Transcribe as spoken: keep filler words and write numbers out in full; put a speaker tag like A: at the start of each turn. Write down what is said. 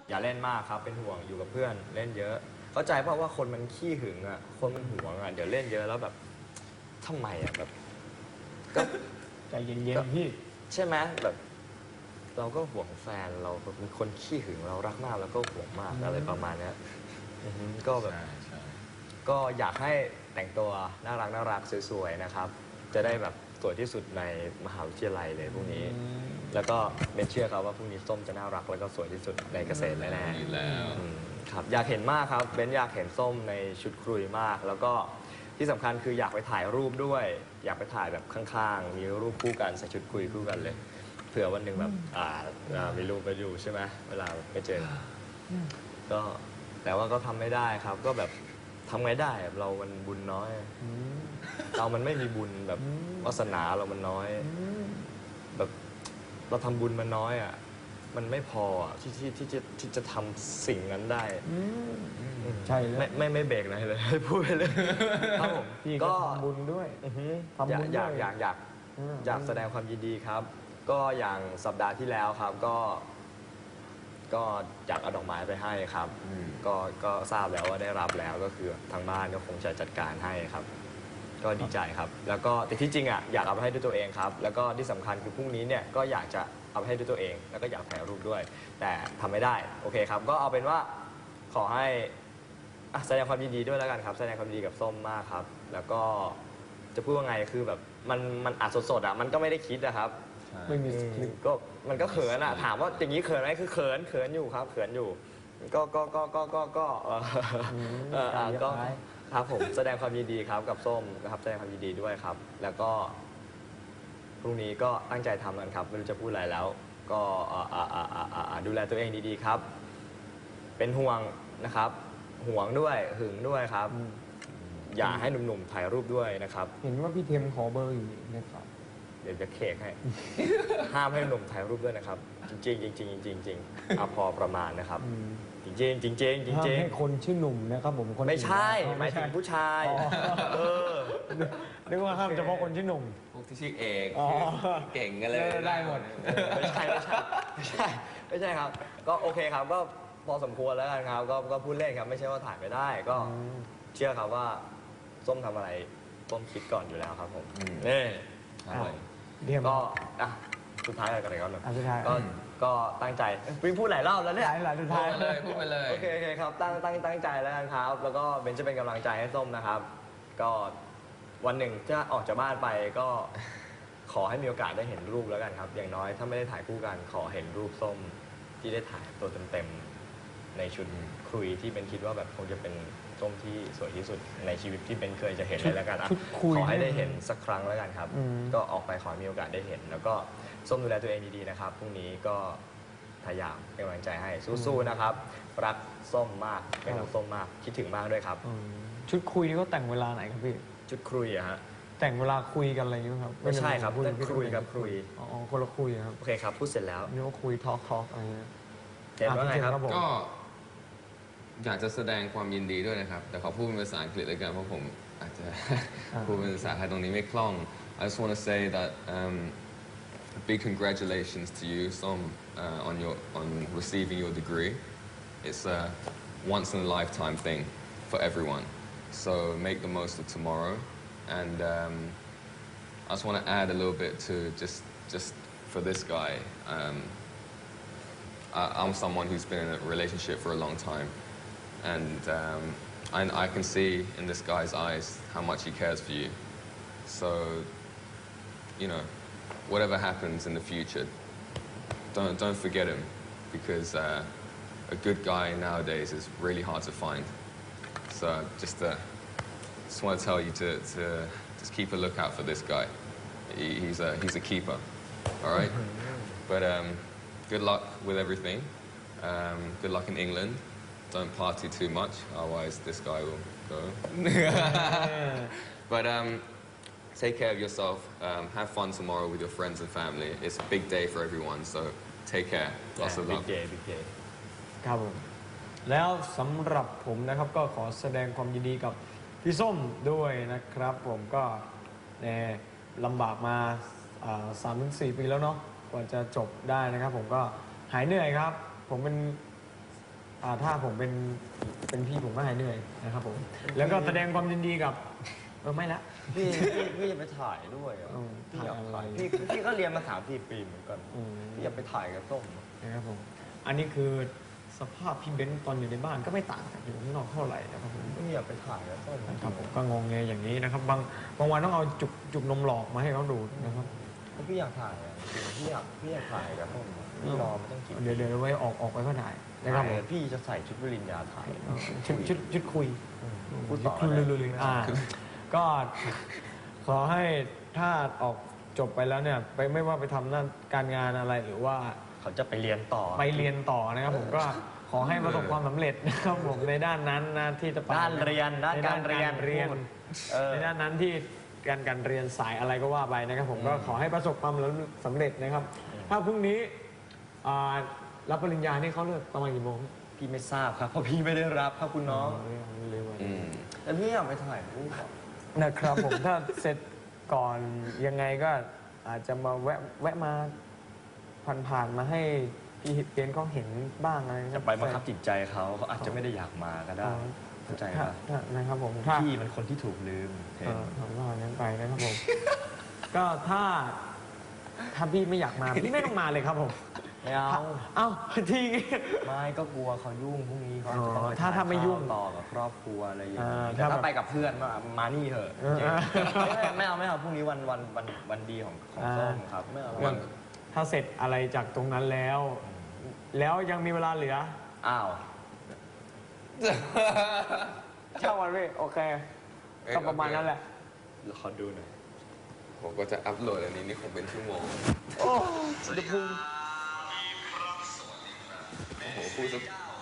A: อย่าเล่นมากครับเป็นห่วงอยู่กับเพื่อนเล่นเยอะเข้าใจเพราะว่าคนมันขี้หึงอ่ะคนมันหวงอ่ะเดี๋ยวเล่นเยอะแล้วแบบทำไมอ่ะแบบก็
B: ใจเย็นๆพี่
A: ใช่ไหมแบบเราก็ห่วงแฟนเราเป็นคนขี้หึงเรารักมากแล้วก็ห่วงมากอะไรประมาณนี้ก็แบบก็อยากให้แต่งตัวน่ารักน่ารักสวยๆนะครับจะได้แบบสวยที่สุดในมหาวิทยาลัยเลยพรุ่งนี้แล้วก็เป็นเชื่อครับว่าพรุ่งนี้ส้มจะน่ารักแล้วก็สวยที่สุดในเกษตรแน่ๆแล้วครับอยากเห็นมากครับเบนอยากเห็นส้มในชุดครุยมากแล้วก็ที่สำคัญคืออยากไปถ่ายรูปด้วย อยากไปถ่ายแบบข้างๆมีรูปคู่กันใส่ชุดคุยคู่กันเลยเผื่อวันหนึ่งแบบอ่ามีรูปไปอยู่ใช่ไหมเวลาไปเจอก็แต่ว่าก็ทำไม่ได้ครับก็แบบทำไงได้เรามันบุญน้อยเรามันไม่มีบุญแบบวาสนาเรามันน้อยแบบเราทำบุญมันน้อยอ่ะมันไม่พอที่ที่ที่จะที่จะทำสิ่งนั้นได้
B: ใช่เลย
A: ไม่ไม่ไม่เบรกอะไรเลยพูดไปเลยครับผม
B: ก็ทำบุญด้วย
A: ทำบุญอยากอยากอยากอยากแสดงความยินดีครับก็อย่างสัปดาห์ที่แล้วครับก็ก็อยากเอาดอกไม้ไปให้ครับก็ก็ทราบแล้วว่าได้รับแล้วก็คือทางบ้านก็คงจะจัดการให้ครับก็ดีใจครับแล้วก็แต่ที่จริงอ่ะอยากเอาไปให้ด้วยตัวเองครับแล้วก็ที่สำคัญคือพรุ่งนี้เนี่ยก็อยากจะเอาไปให้ด้วยตัวเองแล้วก็อยากถ่ายรูปด้วยแต่ทำไม่ได้โอเคครับก็เอาเป็นว่าขอให้แสดงความยินดีด้วยแล้วกันครับแสดงความยินดีกับส้มมากครับแล้วก็จะพูดว่าไงคือแบบมันมันอัดสดๆอ่ะมันก็ไม่ได้คิดนะครับ
B: ไม่มี
A: ก็มันก็เขินอ่ะถามว่าอย่างนี้เขินไหมคือเขินเขินอยู่ครับเขินอยู่ก็ก็ก็ก็ก็ก็เออก็ครับผมแสดงความยินดีครับกับส้มนะครับแสดงความยินดีด้วยครับแล้วก็พรุ่งนี้ก็ตั้งใจทำกันครับไม่รู้จะพูดอะไรแล้วก็ดูแลตัวเองดีๆครับเป็นห่วงนะครับห่วงด้วยหึงด้วยครับอย่าให้หนุ่มๆถ่ายรูปด้วยนะครับ
B: เห็นว่าพี่เทมขอเบอร์อยู่นะครับ
A: เดี๋ยวจะเคกให้ห้ามให้หนุ่มถ่ายรูปด้วยนะครับจริงๆจริงๆจริงๆจริงๆเอาพอประมาณนะครับจริงๆจริงๆจริงๆจริง
B: ๆให้คนชื่อหนุ่มนะครับผมคน
A: ไม่ใช่หมายถึงผู้ชายเออ
B: นึกว่าห้ามเฉพาะคนชื่อหนุ่ม
C: พวกที่ชื่อเอกเก่งกันเลย
B: ได้หมด
A: ไม่ใช่ไม่ใช่ไม่ใช่ไม่ใช่ครับก็โอเคครับก็พอสมควรแล้วกันครับก็ก็พูดเล่นครับไม่ใช่ว่าถ่ายไม่ได้ก็เชื่อครับว่าส้มทำอะไรส้มคิดก่อนอยู่แล้วครับผมนี่ก็อ่ะสุดท้ายอะไรกันเลยครับก็ก็ตั้งใจวิ่งพูดหลายรอบแล้วเนี่ย
B: หลายสุดท้าย
C: เลยพูดไปเลย
A: โอเคโอเคครับตั้งตั้งตั้งใจแล้วกันครับแล้วก็เบนจะเป็นกำลังใจให้ส้มนะครับก็วันหนึ่งถ้าออกจากบ้านไปก็ขอให้มีโอกาสได้เห็นรูปแล้วกันครับอย่างน้อยถ้าไม่ได้ถ่ายคู่กันขอเห็นรูปส้มที่ได้ถ่ายตัวเต็มๆในชุดคุยที่เป็นคิดว่าแบบคงจะเป็นส้มที่สวยที่สุดในชีวิตที่เป็นเคยจะเห็นเลยแล้วกันอ่ะขอให้ได้เห็นสักครั้งแล้วกันครับก็ออกไปขอมีโอกาสได้เห็นแล้วก็ส้มดูแลตัวเองดีๆนะครับพรุ่งนี้ก็พยายามเป็นกำลังใจให้สู้ๆนะครับรักส้มมากเป็นห่วงส้มมากคิดถึงมากด้วยครับ
B: ชุดคุยนี่เขาแต่งเวลาไหนครับพี่
A: ชุดคุยอะฮะ
B: แต่งเวลาคุยกันอะไรอย่างเงี้ยครับ
A: ไม่ใช่ครับคุยกับคุย
B: อ๋อคนละคุยครับ
A: โอเคครับพูดเสร็จแล้ว
B: นี่ว่าคุยทอล์กทอล์กอะไรเงี้ย
A: เห็นว่าไงครับ
C: ก็อยากจะแสดงความยินดีด้วยนะครับแต่ขอพูดเป็นภาษาอังกฤษเลยกันเพราะผมอาจจะพูดเป็นภาษาไทยตรงนี้ไม่คล่อง I just want to say that um, big congratulations to you Som uh, on your on receiving your degree it's a once in a lifetime thing for everyone so make the most of tomorrow and um, I just want to add a little bit to just just for this guy um, I, I'm someone who's been in a relationship for a long time and um, I, I can see in this guy's eyes how much he cares for you. So, you know, whatever happens in the future, don't don't forget him, because uh, a good guy nowadays is really hard to find. So, just uh, just want to tell you to to just keep a lookout for this guy. He, he's a he's a keeper, all right. But um, good luck with everything. Um, good luck in England.Don't party too much, otherwise this guy will go. But um, take care of yourself. Um, have fun tomorrow with your friends and family. It's a big day for everyone, so take care. Lots of love.
A: Big day, big day.
B: ครับผมแล้วสำหรับผมนะครับก็ขอแสดงความยินดีกับพี่ส้มด้วยนะครับผมก็ลำบากมาสามถึงสี่ปีแล้วเนาะกว่าจะจบได้นะครับผมก็หายเหนื่อยครับผมเป็นอ่าถ้าผมเป็นเป็นพี่ผมก็หายเหนื่อยนะครับผมแล้วก็แสดงความยินดีกับเออไม่ละ
A: พี่พี่พี่จะไปถ่ายด้วยอ่ะ
B: อืม
A: พี่อยาก
B: ถ่า
A: ถ่าย ย
B: อะไร
A: พี่พี่ก็เรียนมาสามสี่ปีเหมือนกัน
B: อืม
A: พี่อยากไปถ่ายกับส้ม
B: นะครับผมอันนี้คือสภาพพี่เบนซ์ตอนอยู่ในบ้านก็ไม่ต่างจากอยู่ข้างนอกเท่าไหร่นะครับผม
A: พี่อยากไปถ่ายกับส้ม
B: นะครับผมก็งงเงยอย่างนี้นะครับบางบางวันต้องเอาจุกจุกนมหลอกมาให้เขาดูดนะครับ
A: ก็พี่อยากถ่ายอ่ะจริงๆพี่อยากพี่อยากถ่ายกับส้มอะพี่รอมาตั้งกี่ปี
B: เดี๋ยวเดี๋ยวไว้ออกออกไปก็ได้นะครับผม
A: พี่จะใส่ชุดปริญญาถ่าย
B: ชุดชุดชุดคุย
A: พูดต่อ
B: ชุด
A: ได้
B: ลุยๆอ่าก็ขอให้ถ้าออกจบไปแล้วเนี่ยไปไม่ว่าไปทำหน้าการงานอะไรหรือว่า
A: เขาจะไปเรียนต่อ
B: ไปเรียนต่อนะครับผมก็ขอให้ประสบความสำเร็จนะครับผมในด้านนั้นนะที่จะไป
A: ด้านเรียนด้าน
B: ใน
A: การเรียน
B: เรียน
A: เออ
B: ในด้านนั้นที่การการเรียนสายอะไรก็ว่าไปนะครับผมก็ขอให้ประสบความสำเร็จนะครับ ถ้าพรุ่งนี้อ่ารับปริญญานี่เขาเลิกประมาณกี่โมง
A: พี่ไม่ทราบครับเพราะพี่ไม่ได้รับครับคุณน้อง
B: เร็วๆ
C: อืม
A: แต่พี่อยากไปถ่ายรูปอะ
B: นะครับผม ถ้าเสร็จก่อนยังไงก็อาจจะมาแวะแวะมาผ่านๆมาให้พี่เบนเขาเห็นบ้างอะไร
A: จะไปบังคับจิตใจเขาเขาอาจจะไม่ได้อยากมาก็ได้เข้าใจ
B: ถ้า
A: ปะ
B: ถ้านะครับผมถ้า
A: พี่เป็นคนที่ถูกลืมเห็
B: เอน อผมว่างั้นไปนะครับผม ก็ถ้าถ้าพี่ไม่อยากมาพี่ไม่ต้องมาเลยครับผม
A: ไม่เอา
B: เอ้าที
A: ไม่ก็กลัวเขายุ่งพรุ่งนี้เขาอาจจะต้องไป
B: อ๋อถ้าถ้าไม่ยุ่ง
A: ต่อกับครอบครัวอะไรอย่าง
B: อ่า
A: เงี้ยแต่
B: ถ้า
A: ถ้า
B: แบบ
A: ไปกับเพื่อนมามานี่เถอะ
B: เออ
A: จริงไม่ไม่เอาไม่เอาพรุ่งนี้วันวันวันวันดีของของ
B: อ่า
A: ส้มครับไม่เอา
C: วัน
B: ถ้าเสร็จอะไรจากตรงนั้นแล้ว แล้วยังมีเวลาเหลือ
A: อ้าว
B: เช่าวันพี่โอเคก็ประมาณนั้นแหละ
A: เดี๋ยวขอดูหน่อย
C: ผมก็จะอัพโหลดอันนี้นี่คงเป็นชั่วโมง
B: โอ้สุดพุง
C: โอ้โหพูดสัก